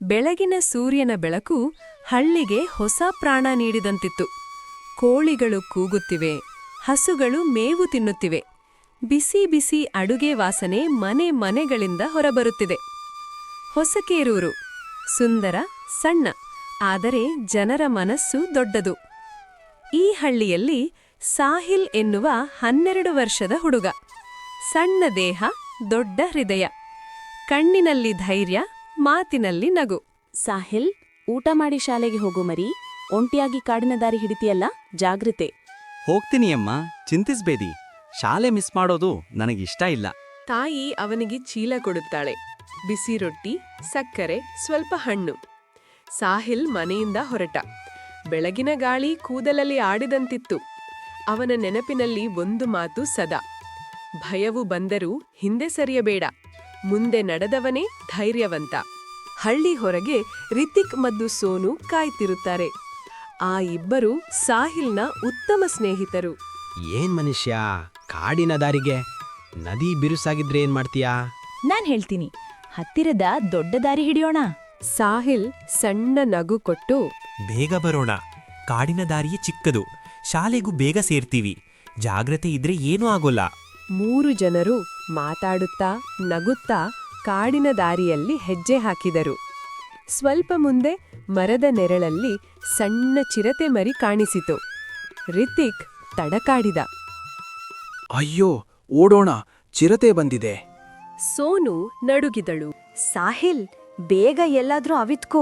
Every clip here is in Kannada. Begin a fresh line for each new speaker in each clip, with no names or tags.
ಬೆಳಗಿನ ಸೂರ್ಯನ ಬೆಳಕು ಹಳ್ಳಿಗೆ ಹೊಸ ಪ್ರಾಣ ನೀಡಿದಂತಿತ್ತು. ಕೋಳಿಗಳು ಕೂಗುತ್ತಿವೆ, ಹಸುಗಳು ಮೇವು ತಿನ್ನುತ್ತಿವೆ. ಬಿಸಿ ಬಿಸಿ ಅಡುಗೆ ವಾಸನೆ ಮನೆ ಮನೆಗಳಿಂದ ಹೊರಬರುತ್ತಿದೆ. ಹೊಸಕೇರೂರು ಸುಂದರ, ಸಣ್ಣ, ಆದರೆ ಜನರ ಮನಸ್ಸು ದೊಡ್ಡದು. ಈ ಹಳ್ಳಿಯಲ್ಲಿ ಸಾಹಿಲ್ ಎನ್ನುವ 12 ವರ್ಷದ ಹುಡುಗ. ಸಣ್ಣ ದೇಹ, ದೊಡ್ಡ ಹೃದಯ. ಕಣ್ಣಿನಲ್ಲಿ ಧೈರ್ಯ, ಮಾತಿನಲ್ಲಿ ನಗು.
ಸಾಹಿಲ್, ಊಟ ಮಾಡಿ ಶಾಲೆಗೆ ಹೋಗು ಮರಿ. ಒಂಟಿಯಾಗಿ ಕಾಡಿನ ದಾರಿ ಹಿಡಿತೀಯಲ್ಲ, ಜಾಗ್ರತೆ.
ಹೋಗ್ತೀನಿ ಅಮ್ಮ, ಚಿಂತಿಸ್ಬೇಡಿ. ಶಾಲೆ ಮಿಸ್ ಮಾಡೋದು ನನಗಿಷ್ಟ ಇಲ್ಲ.
ತಾಯಿ ಅವನಿಗೆ ಚೀಲ ಕೊಡುತ್ತಾಳೆ. ಬಿಸಿ ರೊಟ್ಟಿ, ಸಕ್ಕರೆ, ಸ್ವಲ್ಪ ಹಣ್ಣು. ಸಾಹಿಲ್ ಮನೆಯಿಂದ ಹೊರಟ. ಬೆಳಗಿನ ಗಾಳಿ ಕೂದಲಲ್ಲಿ ಆಡಿದಂತಿತ್ತು. ಅವನ ನೆನಪಿನಲ್ಲಿ ಒಂದು ಮಾತು ಸದಾ: ಭಯವು ಬಂದರೂ ಹಿಂದೆ ಸರಿಯಬೇಡ, ಮುಂದೆ ನಡೆದವನೇ ಧೈರ್ಯವಂತ. ಹಳ್ಳಿ ಹೊರಗೆ ರಿತಿಕ್ ಮತ್ತು ಸೋನು ಕಾಯ್ತಿರುತ್ತಾರೆ. ಆ ಇಬ್ಬರು ಸಾಹಿಲ್ನ ಉತ್ತಮ ಸ್ನೇಹಿತರು.
ಏನ್ ಮನುಷ್ಯ, ಕಾಡಿನ ದಾರಿಗೆ ನದಿ ಬಿರುಸಾಗಿದ್ರೆ ಏನ್ ಮಾಡ್ತೀಯಾ?
ನಾನ್ ಹೇಳ್ತೀನಿ, ಹತ್ತಿರದ ದೊಡ್ಡ ದಾರಿ ಹಿಡಿಯೋಣ.
ಸಾಹಿಲ್ ಸಣ್ಣ ನಗು ಕೊಟ್ಟು,
ಬೇಗ ಬರೋಣ. ಕಾಡಿನ ದಾರಿಯೇ ಚಿಕ್ಕದು, ಶಾಲೆಗೂ ಬೇಗ ಸೇರ್ತೀವಿ. ಜಾಗ್ರತೆ ಇದ್ರೆ ಏನೂ ಆಗೋಲ್ಲ.
3 ಜನರು ಮಾತಾಡುತ್ತಾ ನಗುತ್ತಾ ಕಾಡಿನ ದಾರಿಯಲ್ಲಿ ಹೆಜ್ಜೆ ಹಾಕಿದರು. ಸ್ವಲ್ಪ ಮುಂದೆ ಮರದ ನೆರಳಲ್ಲಿ ಸಣ್ಣ ಚಿರತೆ ಮರಿ ಕಾಣಿಸಿತು. ರಿತಿಕ್ ತಡಕಾಡಿದ.
ಅಯ್ಯೋ, ಓಡೋಣ, ಚಿರತೆ ಬಂದಿದೆ.
ಸೋನು ನಡುಗಿದಳು.
ಸಾಹಿಲ್, ಬೇಗ ಎಲ್ಲಾದ್ರೂ ಅವಿತ್ಕೋ.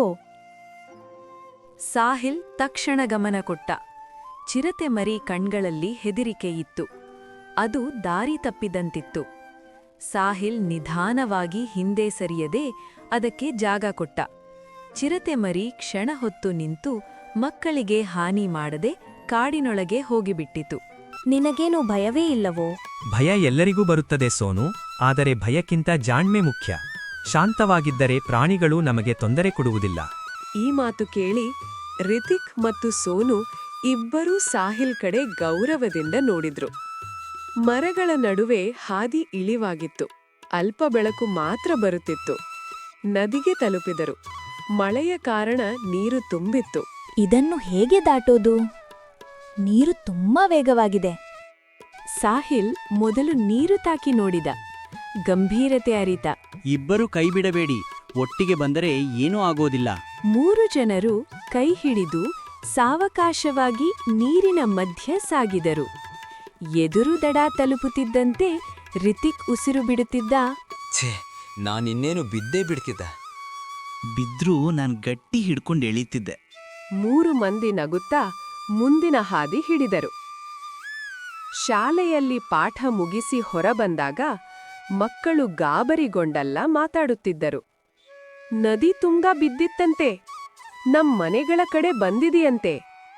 ಸಾಹಿಲ್ ತಕ್ಷಣ ಗಮನ ಕೊಟ್ಟ. ಚಿರತೆ ಮರಿ ಕಣ್ಗಳಲ್ಲಿ ಹೆದರಿಕೆ ಇತ್ತು. ಅದು ದಾರಿ ತಪ್ಪಿದಂತಿತ್ತು. ಸಾಹಿಲ್ ನಿಧಾನವಾಗಿ ಹಿಂದೆ ಸರಿಯದೆ ಅದಕ್ಕೆ ಜಾಗ ಕೊಟ್ಟ. ಚಿರತೆ ಮರಿ ಕ್ಷಣ ಹೊತ್ತು ನಿಂತು ಮಕ್ಕಳಿಗೆ ಹಾನಿ ಮಾಡದೆ ಕಾಡಿನೊಳಗೆ ಹೋಗಿಬಿಟ್ಟಿತು.
ನಿನಗೇನು ಭಯವೇ ಇಲ್ಲವೋ?
ಭಯ ಎಲ್ಲರಿಗೂ ಬರುತ್ತದೆ ಸೋನು, ಆದರೆ ಭಯಕ್ಕಿಂತ ಜಾಣ್ಮೆ ಮುಖ್ಯ. ಶಾಂತವಾಗಿದ್ದರೆ ಪ್ರಾಣಿಗಳು ನಮಗೆ ತೊಂದರೆ ಕೊಡುವುದಿಲ್ಲ.
ಈ ಮಾತು ಕೇಳಿ ರಿತಿಕ್ ಮತ್ತು ಸೋನು ಇಬ್ಬರೂ ಸಾಹಿಲ್ ಕಡೆ ಗೌರವದಿಂದ ನೋಡಿದ್ರು. ಮರಗಳ ನಡುವೆ ಹಾದಿ ಇಳಿವಾಗಿತ್ತು. ಅಲ್ಪ ಬೆಳಕು ಮಾತ್ರ ಬರುತ್ತಿತ್ತು. ನದಿಗೆ ತಲುಪಿದರು. ಮಳೆಯ ಕಾರಣ ನೀರು ತುಂಬಿತ್ತು.
ಇದನ್ನು ಹೇಗೆ ದಾಟೋದು? ನೀರು ತುಂಬಾ ವೇಗವಾಗಿದೆ.
ಸಾಹಿಲ್ ಮೊದಲು ನೀರು ತಾಕಿ ನೋಡಿದ. ಗಂಭೀರತೆ ಅರಿತ.
ಇಬ್ಬರು ಕೈ ಬಿಡಬೇಡಿ, ಒಟ್ಟಿಗೆ ಬಂದರೆ ಏನೂ ಆಗೋದಿಲ್ಲ.
3 ಜನರು ಕೈ ಹಿಡಿದು ಸಾವಕಾಶವಾಗಿ ನೀರಿನ ಮಧ್ಯ ಸಾಗಿದರು. ಎದುರು ದಡ ತಲುಪುತ್ತಿದ್ದಂತೆ ರಿತಿಕ್ ಉಸಿರು ಬಿಡುತ್ತಿದ್ದ.
ಛೇ, ನಾನಿನ್ನೇನು ಬಿದ್ದೇ ಬಿಡ್ತಿದ್ದೆ.
ಬಿದ್ರೂ ನಾನ್ ಗಟ್ಟಿ ಹಿಡ್ಕೊಂಡು ಎಳೀತಿದ್ದೆ.
3 ಮಂದಿ ನಗುತ್ತಾ ಮುಂದಿನ ಹಾದಿ ಹಿಡಿದರು. ಶಾಲೆಯಲ್ಲಿ ಪಾಠ ಮುಗಿಸಿ ಹೊರಬಂದಾಗ ಮಕ್ಕಳು ಗಾಬರಿಗೊಂಡಲ್ಲ ಮಾತಾಡುತ್ತಿದ್ದರು. ನದಿ ತುಂಗ ಬಿದ್ದಿತ್ತಂತೆ, ಮನೆಗಳ ಕಡೆ ಬಂದಿದೆಯಂತೆ.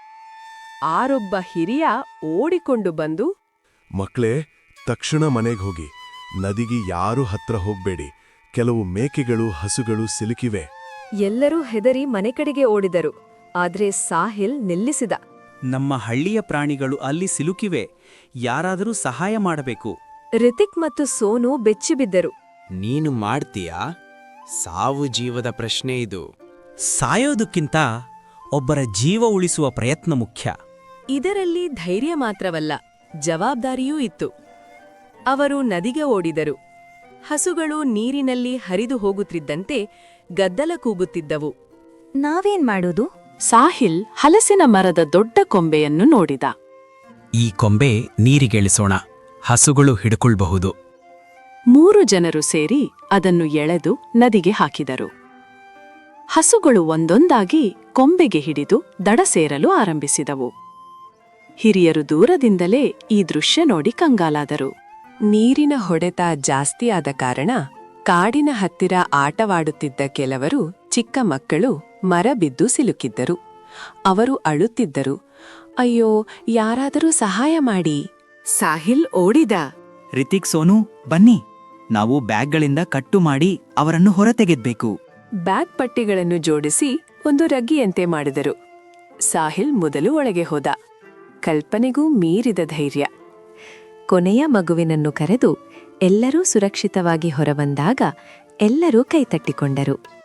ಆರೊಬ್ಬ ಹಿರಿಯ ಓಡಿಕೊಂಡು ಬಂದು,
ಮಕ್ಳೇ, ತಕ್ಷಣ ಮನೆಗೆ ಹೋಗಿ. ನದಿಗೆ ಯಾರೂ ಹತ್ರ ಹೋಗ್ಬೇಡಿ. ಕೆಲವು ಮೇಕೆಗಳು, ಹಸುಗಳು ಸಿಲುಕಿವೆ.
ಎಲ್ಲರೂ ಹೆದರಿ ಮನೆ ಕಡೆಗೆ ಓಡಿದರು. ಆದ್ರೆ ಸಾಹಿಲ್ ನಿಲ್ಲಿಸಿದ.
ನಮ್ಮ ಹಳ್ಳಿಯ ಪ್ರಾಣಿಗಳು ಅಲ್ಲಿ ಸಿಲುಕಿವೆ. ಯಾರಾದರೂ ಸಹಾಯ ಮಾಡಬೇಕು.
ರಿತಿಕ್ ಮತ್ತು ಸೋನು ಬೆಚ್ಚಿಬಿದ್ದರು.
ನೀನು ಮಾಡ್ತೀಯಾ? ಸಾವು ಜೀವದ ಪ್ರಶ್ನೆ ಇದು.
ಸಾಯೋದಕ್ಕಿಂತ ಒಬ್ಬರ ಜೀವ ಉಳಿಸುವ ಪ್ರಯತ್ನ ಮುಖ್ಯ.
ಇದರಲ್ಲಿ ಧೈರ್ಯ ಮಾತ್ರವಲ್ಲ, ಜವಾಬ್ದಾರಿಯೂ ಇತ್ತು. ಅವರು ನದಿಗೆ ಓಡಿದರು. ಹಸುಗಳು ನೀರಿನಲ್ಲಿ ಹರಿದು ಹೋಗುತ್ತಿದ್ದಂತೆ ಗದ್ದಲ ಕೂಗುತ್ತಿದ್ದವು.
ನಾವೇನ್ ಮಾಡೋದು?
ಸಾಹಿಲ್ ಹಲಸಿನ ಮರದ ದೊಡ್ಡ ಕೊಂಬೆಯನ್ನು ನೋಡಿದ.
ಈ ಕೊಂಬೆ ನೀರಿಗೆಳಿಸೋಣ, ಹಸುಗಳು ಹಿಡ್ಕೊಳ್ಬಹುದು.
3 ಜನರು ಸೇರಿ ಅದನ್ನು ಎಳೆದು ನದಿಗೆ ಹಾಕಿದರು. ಹಸುಗಳು ಒಂದೊಂದಾಗಿ ಕೊಂಬೆಗೆ ಹಿಡಿದು ದಡ ಸೇರಲು ಆರಂಭಿಸಿದವು. ಹಿರಿಯರು ದೂರದಿಂದಲೇ ಈ ದೃಶ್ಯ ನೋಡಿ ಕಂಗಾಲಾದರು. ನೀರಿನ ಹೊಡೆತ ಜಾಸ್ತಿಯಾದ ಕಾರಣ ಕಾಡಿನ ಹತ್ತಿರ ಆಟವಾಡುತ್ತಿದ್ದ ಕೆಲವರು ಚಿಕ್ಕ ಮಕ್ಕಳು ಮರ ಬಿದ್ದು ಸಿಲುಕಿದ್ದರು. ಅವರು ಅಳುತ್ತಿದ್ದರು. ಅಯ್ಯೋ, ಯಾರಾದರೂ ಸಹಾಯ ಮಾಡಿ. ಸಾಹಿಲ್ ಓಡಿದ.
ರಿತಿಕ್, ಸೋನು, ಬನ್ನಿ. ನಾವು ಬ್ಯಾಗ್ಗಳಿಂದ ಕಟ್ಟು ಮಾಡಿ ಅವರನ್ನು ಹೊರತೆಗೆದ್ಬೇಕು.
ಬ್ಯಾಗ್ ಪಟ್ಟಿಗಳನ್ನು ಜೋಡಿಸಿ ಒಂದು ರಗ್ಗಿಯಂತೆ ಮಾಡಿದರು. ಸಾಹಿಲ್ ಮೊದಲು ಒಳಗೆ ಹೋದ. ಕಲ್ಪನೆಗೂ ಮೀರಿದ ಧೈರ್ಯ. ಕೊನೆಯ ಮಗುವಿನನ್ನು ಕರೆದು ಎಲ್ಲರೂ ಸುರಕ್ಷಿತವಾಗಿ ಹೊರಬಂದಾಗ ಎಲ್ಲರೂ ಕೈತಟ್ಟಿಕೊಂಡರು.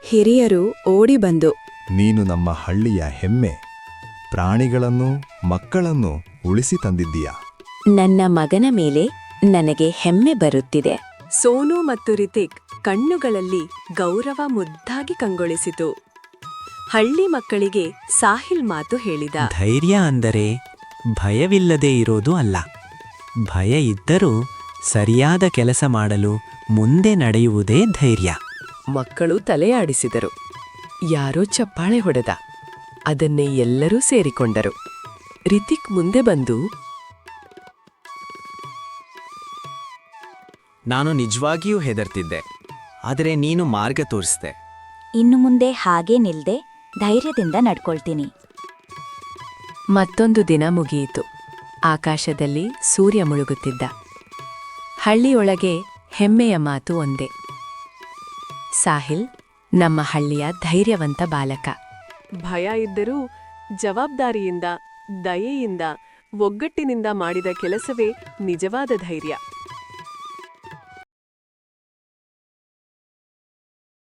ಹಿರಿಯರು ಓಡಿ ಬಂದು
ನೀನು ನಮ್ಮ ಹಳ್ಳಿಯ ಹೆಮ್ಮೆ. ಪ್ರಾಣಿಗಳನ್ನು ಮಕ್ಕಳನ್ನು ಉಳಿಸಿ ತಂದಿದ್ದೀಯಾ.
ನನ್ನ ಮಗನ ಮೇಲೆ ನನಗೆ ಹೆಮ್ಮೆ ಬರುತ್ತಿದೆ.
ಸೋನು ಮತ್ತು ರಿತಿಕ್ ಕಣ್ಣುಗಳಲ್ಲಿ ಗೌರವ ಮುದ್ದಾಗಿ ಕಂಗೊಳಿಸಿತು. ಹಳ್ಳಿ ಮಕ್ಕಳಿಗೆ ಸಾಹಿಲ್ ಮಾತು ಹೇಳಿದ.
ಧೈರ್ಯ ಅಂದರೆ ಭಯವಿಲ್ಲದೆ ಇರೋದು ಅಲ್ಲ. ಭಯ ಇದ್ದರೂ ಸರಿಯಾದ ಕೆಲಸ ಮಾಡಲು ಮುಂದೆ ನಡೆಯುವುದೇ ಧೈರ್ಯ.
ಮಕ್ಕಳು ತಲೆಯಾಡಿಸಿದರು. ಯಾರೋ ಚಪ್ಪಾಳೆ ಹೊಡೆದ. ಅದನ್ನೇ ಎಲ್ಲರೂ ಸೇರಿಕೊಂಡರು. ರಿತಿಕ್ ಮುಂದೆ ಬಂದು,
ನಾನು ನಿಜವಾಗಿಯೂ ಹೆದರ್ತಿದ್ದೆ, ಆದರೆ ನೀನು ಮಾರ್ಗ ತೋರಿಸ್ದೆ.
ಇನ್ನು ಮುಂದೆ ಹಾಗೇ ನಿಲ್ದೆ ಧೈರ್ಯದಿಂದ ನಡ್ಕೊಳ್ತೀನಿ.
ಮತ್ತೊಂದು ದಿನ ಮುಗಿಯಿತು. ಆಕಾಶದಲ್ಲಿ ಸೂರ್ಯ ಮುಳುಗುತ್ತಿದ್ದ. ಹಳ್ಳಿಯೊಳಗೆ ಹೆಮ್ಮೆಯ ಮಾತು ಒಂದೇ. ಸಾಹಿಲ್ ನಮ್ಮ ಹಳ್ಳಿಯ ಧೈರ್ಯವಂತ ಬಾಲಕ.
ಭಯ ಇದ್ದರೂ ಜವಾಬ್ದಾರಿಯಿಂದ, ದಯೆಯಿಂದ, ಒಗ್ಗಟ್ಟಿನಿಂದ ಮಾಡಿದ ಕೆಲಸವೇ ನಿಜವಾದ ಧೈರ್ಯ.